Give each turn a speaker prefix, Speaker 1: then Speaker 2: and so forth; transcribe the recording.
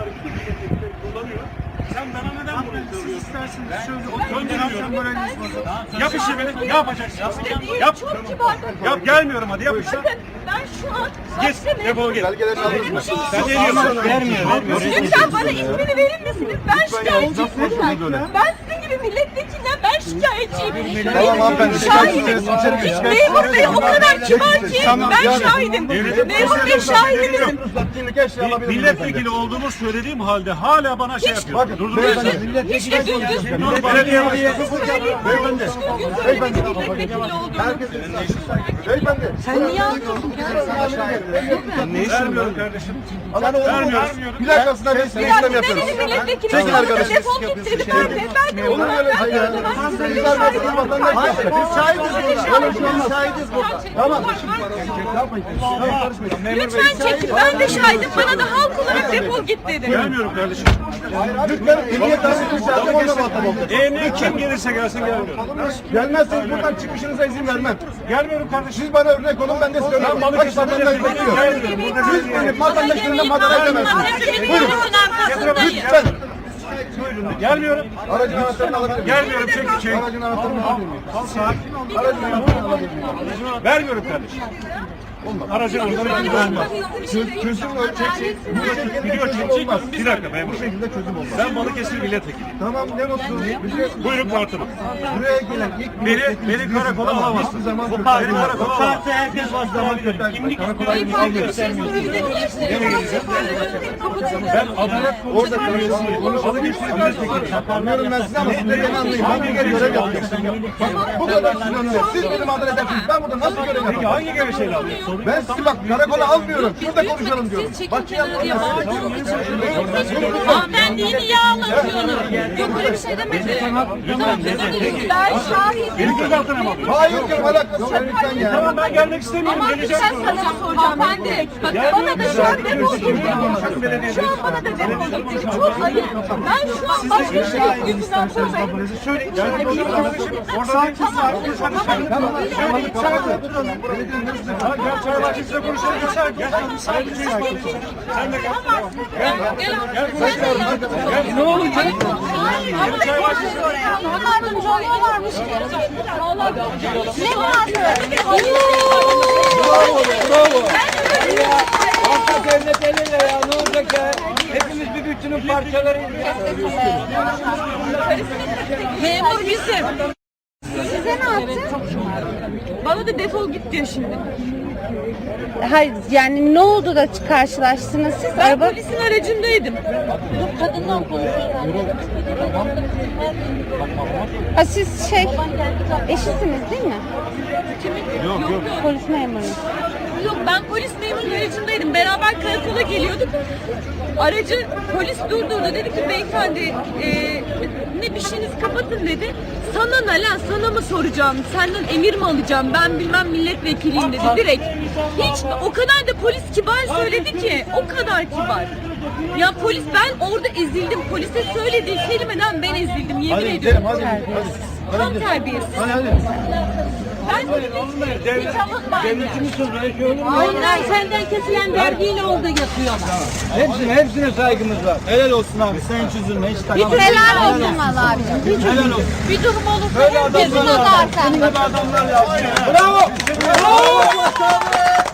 Speaker 1: bütün milletvekilleri kullanıyor. Sen bana neden bunu söylüyorsun?
Speaker 2: İsterseniz şöyle
Speaker 1: Söndürmüyorum.
Speaker 2: moraliniz bozulur.
Speaker 1: Yap işi beni. Ne yapacaksın? Yap.
Speaker 3: Çok kibardır.
Speaker 1: Yap, gelmiyorum hadi yap işte.
Speaker 3: Bakın ben şu an
Speaker 1: Git, defol git.
Speaker 4: Belgelerini alırız mı?
Speaker 1: Sen ne diyorsun? Vermiyor.
Speaker 3: lütfen bana ismini verir misiniz? Ben şikayetçiyim. Ben sizin gibi milletvekilinden ben şikayetçiyim.
Speaker 4: Tamam hanımefendi,
Speaker 3: Şahidim.
Speaker 4: şikayetçisiniz.
Speaker 3: Memur Bey o kadar kibar ki
Speaker 4: Tamam,
Speaker 3: ben
Speaker 4: yani.
Speaker 3: şahidim. Memur Bey şahidimizim.
Speaker 4: Ruhsatçılık eşya alabilir miyim?
Speaker 1: Milletvekili olduğumu söylediğim halde hala bana şey yapıyor.
Speaker 4: Bakın,
Speaker 1: Durduruyorsun.
Speaker 3: Hiç de düzgün.
Speaker 1: Dur, belediye başkanı.
Speaker 4: Beyefendi.
Speaker 3: Beyefendi. Milletvekili olduğunu.
Speaker 4: Beyefendi.
Speaker 3: Sen niye alıyorsun?
Speaker 1: Vermiyorum kardeşim.
Speaker 4: Alan olur mu?
Speaker 1: Vermiyorum.
Speaker 4: Plakasına biz
Speaker 3: Bir
Speaker 4: işlem
Speaker 3: dakika
Speaker 4: yapıyoruz.
Speaker 3: dedi milletvekili.
Speaker 4: Çekin arkadaşım.
Speaker 3: Defol git dedi. Ben de
Speaker 4: Olur mu öyle şey ya? Siz vermezsiniz vatandaş yapacak. Biz şahidiz burada. Böyle bir şey olmaz. Şahidiz burada. Tamam.
Speaker 3: Lütfen çekin. Ben de şahidim. Bana da halk olarak defol git dedi.
Speaker 1: Gelmiyorum kardeşim.
Speaker 4: Lütfen emniyet tanıtın şahsım onunla muhatap olun.
Speaker 1: Ne kim gelirse gelsin gelmiyorum.
Speaker 4: Gelmezseniz buradan çıkışınıza izin vermem.
Speaker 1: Gelmiyorum kardeşim.
Speaker 4: Siz bana örnek olun, ben de size örnek
Speaker 1: Ben
Speaker 4: olayım.
Speaker 1: Balıkesir'de
Speaker 4: Kaç vatandaş
Speaker 1: milletvekili
Speaker 4: bekliyor?
Speaker 1: gelmiyorum.
Speaker 4: Siz benim vatandaşlarımdan madara edemezsiniz. Buyurun. Lütfen.
Speaker 1: Gelmiyorum.
Speaker 4: Aracın anahtarını alabilir miyim?
Speaker 1: Gelmiyorum çek.
Speaker 4: Aracın anahtarını alabilir miyim?
Speaker 1: Sakin ol.
Speaker 4: Aracın anahtarını alabilir miyim?
Speaker 1: Vermiyorum kardeşim. Aracın oradan ben vermem.
Speaker 4: Çözüm ölçek. Bu şekilde
Speaker 1: Video
Speaker 4: çözüm
Speaker 1: çekecek.
Speaker 4: olmaz.
Speaker 1: Bir dakika memur.
Speaker 4: Bu şekilde çözüm olmaz.
Speaker 1: Ben Balıkesir milletvekiliyim.
Speaker 4: Tamam ne mutlu.
Speaker 1: Buyurun kartımı.
Speaker 4: Buraya gelen ilk
Speaker 1: Beni karakola alamazsın.
Speaker 4: Hiçbir zaman
Speaker 1: Beni karakola alamazsın.
Speaker 4: herkes başlamak
Speaker 1: Kimlik
Speaker 4: karakola
Speaker 1: ben adalet
Speaker 4: orada konuşalım. Anlıyorum ben size ama siz de beni anlayın. Hangi görev yapacaksın? Bu kadar siz anlıyorum. Siz beni mağdur edersiniz. Ben burada nasıl görev
Speaker 1: Peki
Speaker 4: yapacağım?
Speaker 1: hangi görüşeyle alıyorsun?
Speaker 4: Ben sizi bak karakola almıyorum. Şurada konuşalım diyorum.
Speaker 3: Siz çekin kenara diye bağırdığınız için. Hanımefendiyi niye ağlatıyorsunuz? Yok öyle bir şey demedi. Tamam, ben şahidim.
Speaker 1: Benim gözaltına mı alıyorsun?
Speaker 4: Hayır canım alakası yok. Lütfen ya.
Speaker 1: Tamam ben gelmek istemiyorum.
Speaker 3: Ama bir şey
Speaker 1: Geleceğim.
Speaker 3: soracağım. Hanımefendi. Bak bana da şu an defol git dedi. Şu an bana da defol git dedi. Çok ayıp. Ben şu an başka şey yüzünden buradayım.
Speaker 1: Sakin. Gel çay bahçesinde konuşalım. Gel. Sen de gel.
Speaker 3: Ne olacak? Yardımcı oluyorlarmış. Ne vardı?
Speaker 5: Bravo. Halka devlet eliyle ya ne olacak ya? Hepimiz bir bütünün parçalarıyız ya.
Speaker 3: Memur bizim.
Speaker 6: Size ne yaptı?
Speaker 3: Bana da defol git diyor şimdi.
Speaker 6: Hayır yani ne oldu da karşılaştınız siz?
Speaker 3: Ben polisin aracındaydım.
Speaker 6: Ha, siz eşisiniz değil mi?
Speaker 3: Yok.
Speaker 6: Polis memuru.
Speaker 3: Yok ben polis memurun aracındaydım. Beraber karakola geliyorduk. Aracı polis durdurdu. Dedi ki beyefendi ne bir şeyiniz kapatın dedi. Sana ne lan, sana mı soracağım? Senden emir mi alacağım? Ben bilmem milletvekiliyim dedi direkt. Hiç o kadar da polis kibar söyledi ki. O kadar kibar. Ya polis ben orada ezildim. Polise söylediği kelimeden ben ezildim. Yemin ediyorum. Tam terbiyesiz. Ben
Speaker 5: Devletimiz sözüne şey olur mu?
Speaker 6: Onlar senden kesilen vergiyle oldu yapıyorlar.
Speaker 5: Hepsine saygımız var. Helal olsun abi. Sen hiç üzülme. Hiç takma.
Speaker 6: Helal olsun valla abicim.
Speaker 5: Helal olsun.
Speaker 6: Bir durum olursa
Speaker 5: Böyle
Speaker 6: herkesin
Speaker 5: adamlar
Speaker 6: o da
Speaker 5: lazım.
Speaker 6: artar.
Speaker 5: Böyle adamlar lazım. Bravo. Bravo.